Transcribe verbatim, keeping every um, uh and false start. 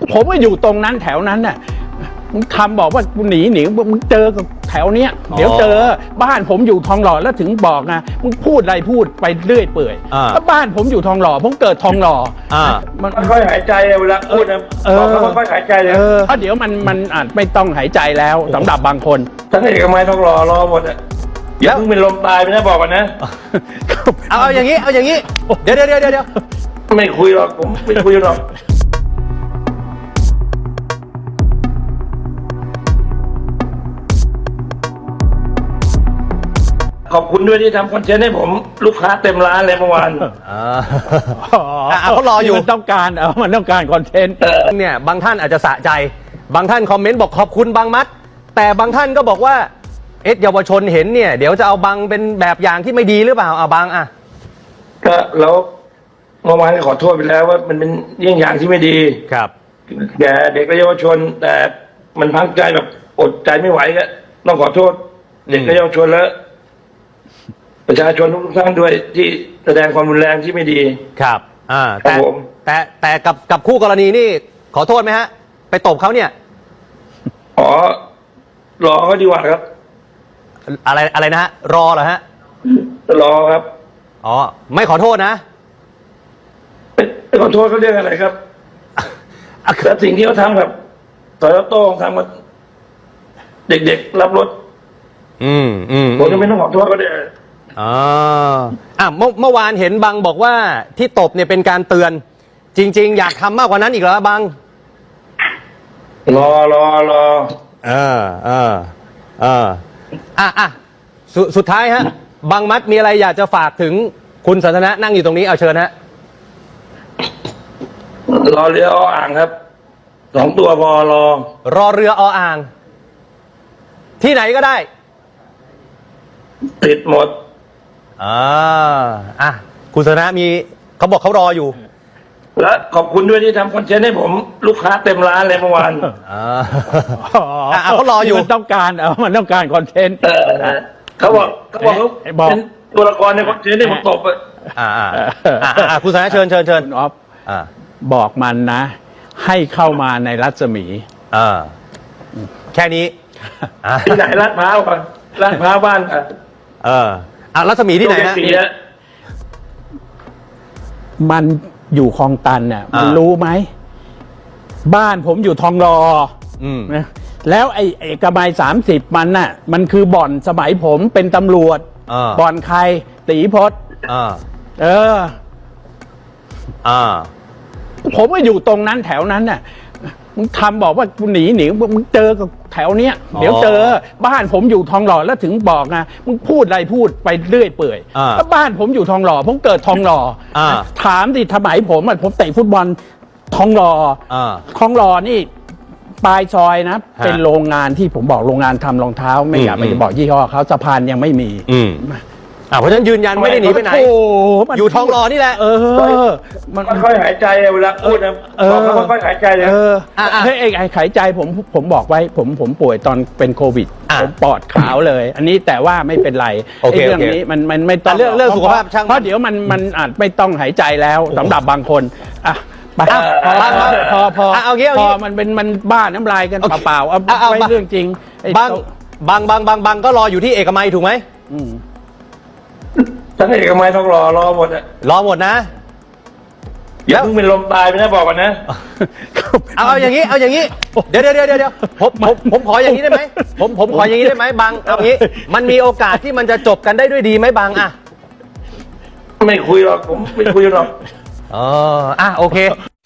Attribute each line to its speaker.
Speaker 1: ผมก็อยู่ตรงนั้นแถวนั้นน่ะมึงทำบอกว่ากูหนีหนีมึงเจอกับแถวเนี้ยเดี๋ยวเจอบ้านผมอยู่ทองหล่อแล้วถึงบอกไงมึงพูดอะไรพูดไปเรื่อยเปื่อยแล้วบ้านผมอยู่ทองหล่อผมเกิดทองหล่อ
Speaker 2: มันค่อยหายใจเวลาพูดนะบอกแล้วค่อยหายใจเลย
Speaker 1: เพราะเดี๋ยวมันมันอาจไม่ต้องหายใจแล้วสำหรับบางคน
Speaker 2: ทั้งเอกมัยทองหล่อรอหมดอ่ะอย่าเพิ่งเป็นลมตายไปนะบอกกันนะ
Speaker 3: เอาเอาอย่างนี้เอาอย่างนี้เดี๋ยวเดี๋ยวเดี๋ยวเดี๋ยว
Speaker 2: ไม่คุยหรอกผมไม่คุยหรอกขอบคุณด้วยที่ทำคอนเทนต์ให้ผมลูกค้าเต็มร้านเลยเมื่อวาน
Speaker 3: อ่าเขารออยู่
Speaker 1: มันต้องการเออมันต้องการคอนเทนต์
Speaker 3: เนี่ยบางท่านอาจจะสะใจบางท่านคอมเมนต์บอกขอบคุณบางมัดแต่บางท่านก็บอกว่าเอ็ดเยาวชนเห็นเนี่ยเดี๋ยวจะเอาบางเป็นแบบอย่างที่ไม่ดีหรือเปล่าเอาบางอ่ะ
Speaker 2: ก็แล้วเมื่อวานขอโทษไปแล้วว่ามันเป็นเยี่ยงอย่างที่ไม่ดี
Speaker 3: ครับ
Speaker 2: แก่เด็กและเยาวชนแต่มันพังใจแบบอดใจไม่ไหวก็ต้องขอโทษเด็กและเยาวชนแล้วประชาชนทุกท่านด้วยที่แสดงความรุนแรงที่ไม่ดี
Speaker 3: ครับอ่าแต่แต่แต่กับกับคู่กรณีนี่ขอโทษไหมฮะไปตบเขาเนี่ย
Speaker 2: อ๋อรอเขาดีกว่าครับ
Speaker 3: อะไรอะไรนะฮะรอเหรอฮะ
Speaker 2: รอครับ
Speaker 3: อ๋อไม่ขอโทษนะ
Speaker 2: ไม่ขอโทษเขาเรื่องอะไรครับแต่สิ่งที่เขาทำกับสอยโต้งทำกับเด็กๆรับรถ
Speaker 3: อืมอืม
Speaker 2: ผมจะไม่ต้องขอโทษเขาเลย
Speaker 3: อ๋ออ่ะเมื่อเมื่อวานเห็นบังบอกว่าที่ตบเนี่ยเป็นการเตือนจริงๆอยากทำมากกว่านั้นอีกเหรอบัง
Speaker 2: รอรอรอ
Speaker 3: เออเออเอออ่ะอ่ะสุสุดท้ายฮะบังมัดมีอะไรอยากจะฝากถึงคุณสันทนะนั่งอยู่ตรงนี้เอาเชิญฮะ
Speaker 2: รอเรือออ่างครับสองตัวพอรอ
Speaker 3: รอเรือออ่างที่ไหนก็ได้
Speaker 2: ติดหมด
Speaker 3: อ่าอ่ะคุณสันทนะมีเขาบอกเขารออยู่
Speaker 2: และขอบคุณด้วยที่ทำคอนเทนต์ให้ผมลูกค้าเต็มร้านเลยเมื่อวาน
Speaker 3: อ่าเขารออยู่
Speaker 1: มันต้องการเออมันต้องการคอนเทนต์
Speaker 2: เขาบอกเขาบอกเขาเป็นตัวละครในคอนเทนต์ที่ผมตบ
Speaker 3: อ่าอ่าอ่าคุณสันทนะเชิญเชิญเชิญ
Speaker 1: ออฟบอกมันนะให้เข้ามาในรัศมี
Speaker 3: อ่าแค่นี้
Speaker 2: ที่ไหนลาดพร้าวก่อนลาดพร้าวบ้านอ่ะ
Speaker 3: เอออ่ะรัศมีที่ไหนฮะ
Speaker 1: มันอยู่คลองตันเนี่ยมันรู้ไหมบ้านผมอยู่ทองหล่อนะแล้วไอ้เอกมัยสามสิบมันน่ะมันคือบ่อนสมัยผมเป็นตำรวจบ่อนใครตีพศเออ
Speaker 3: อ่า
Speaker 1: ผมก็อยู่ตรงนั้นแถวนั้นน่ะมึงทำบอกว่ากูหนีหนีมึงเจอกับแถวเนี้ยเดี๋ยวเจอบ้านผมอยู่ทองหล่อแล้วถึงบอกไงมึงพูดอะไรพูดไปเรื่อยเปื่อยแล้วบ้านผมอยู่ทองหล่อผมเกิดทองหล่อถามดิสมัยผมอ่ะผมเตะฟุตบอลทองหล่อทองหล่อนี่ปลายซอยนะเป็นโรงงานที่ผมบอกโรงงานทำรองเท้าไม่อยากไปบอกยี่ห้อเขาสะพานยังไม่มี
Speaker 3: อ่าเพราะฉะนั้นยืนยันไม่ได้หนีไปไหนอยู่ทองหล่อนี่แหละ
Speaker 1: เออ
Speaker 2: มันค่อยหายใจเวลาพูดนะบอกแล้วค่อยหายใจเลย
Speaker 1: เออเฮ้ยไอ้หายใจผมผมบอกไว้ผมผมป่วยตอนเป็นโควิดผมปอดขาวเลยอันนี้แต่ว่าไม่เป็นไรไอ้เรื่องนี้มันมันไม่ต้อง
Speaker 3: เรื่องเรื่องสุขภาพช่าง
Speaker 1: เพราะเดี๋ยวมันมันอาจไม่ต้องหายใจแล้วสำหรับบางคนอ่ะไปพอพอ
Speaker 3: เอางี้
Speaker 1: พอมันเป็นมันบ้าน้ำลายกันเปล่าๆเอาไปเรื่องจริง
Speaker 3: บางบางบางบางบางก็รออยู่ที่เอกมัยถูกไหม
Speaker 2: ทั้งเอกมัยทองหล่อรอหมดอ่ะ
Speaker 3: รอหมดนะ
Speaker 2: อย่าเพิ่งเป็นลมตายไปนะบอกกันนะ
Speaker 3: เอาเอาอย่างนี้เอาอย่างนี้เดี๋ยวเดี๋ยวเดี๋ยวเดี๋ยวผมผมผมขออย่างนี้ได้ไหมผมผมขออย่างนี้ได้ไหมบางเอางี้มันมีโอกาสที่มันจะจบกันได้ด้วยดีไหมบางอ่ะ
Speaker 2: ไม่คุยหรอกผมไม่คุยหรอก
Speaker 3: อ๋ออ่ะโอเค